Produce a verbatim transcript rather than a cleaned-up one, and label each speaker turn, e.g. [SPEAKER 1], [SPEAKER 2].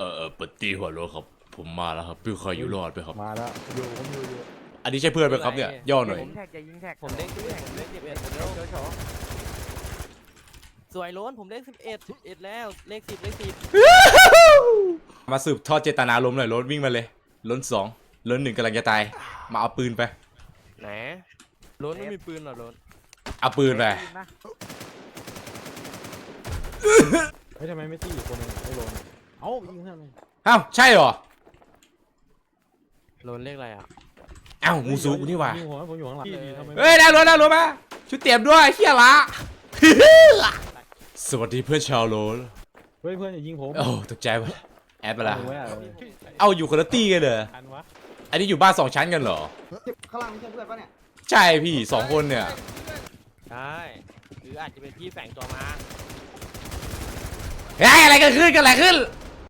[SPEAKER 1] ออเออปฏิหัวโลครับผมมาแล้วครับพี่คอยอยู่รอดไปครับ
[SPEAKER 2] มาแล้วอยู่ผมอยู่อยู่
[SPEAKER 1] อันนี้ใช่เพื่อนไหมครับเนี่ยย่อหน่อย
[SPEAKER 3] ผมแท็กจะยิงแท็ก
[SPEAKER 4] ผมเด้งสิบเอ็ดผมเด้งสิบเอ็ดผมเร็ว
[SPEAKER 3] โชว์โชว์
[SPEAKER 4] สวยล้นผมเลขสิบเอ็ดสิบเอ็ดแล้วเลขสิบเลขสิบ
[SPEAKER 1] มาสืบทอดเจตนาล้มหน่อยล้นวิ่งมาเลยล้นสองล้นหนึ่งกำลังจะตายมาเอาปืนไป
[SPEAKER 4] ไหนล้นไม่มีปืนเหรอล้น
[SPEAKER 1] เอาปืนไป
[SPEAKER 3] ยิงนะ
[SPEAKER 2] เฮ้ยทำไมไม่ตีอีกคนนึงไม่โดนเอ้ายิงเพื่อนเลย
[SPEAKER 1] อ้าวใช่เหรอ
[SPEAKER 4] ล้นเลขอะไรอ่ะ
[SPEAKER 1] อ้าวมูซูกูนี่หว่า
[SPEAKER 2] ยิงหัวผมอยู่ข้างหลังทำไม
[SPEAKER 1] เฮ้ยได้ล้นได้ล้นมาชุดเตรียมด้วยเฮียละสวัสดีเพื่อนชาวโลน
[SPEAKER 2] เฮ้ยเพื่อนอย่ายิงผม
[SPEAKER 1] โอ้ตกใจวะแอดไปละ
[SPEAKER 2] เอาไว้อะ
[SPEAKER 1] เอาอยู่คนละตี้กันเหรอ
[SPEAKER 2] ทันวะ
[SPEAKER 1] อันนี้อยู่บ้านสองชั้นกันเหรอ
[SPEAKER 5] ข้างล่างไม่ใช่เพื่อนปะเนี่ย
[SPEAKER 1] ใช่พี่สองคนเนี่ย
[SPEAKER 4] ใช่หรืออาจจะเป็นพี่แฝงตัวมา
[SPEAKER 1] เฮ้ยอะไรกันขึ้นกันอะไรขึ้น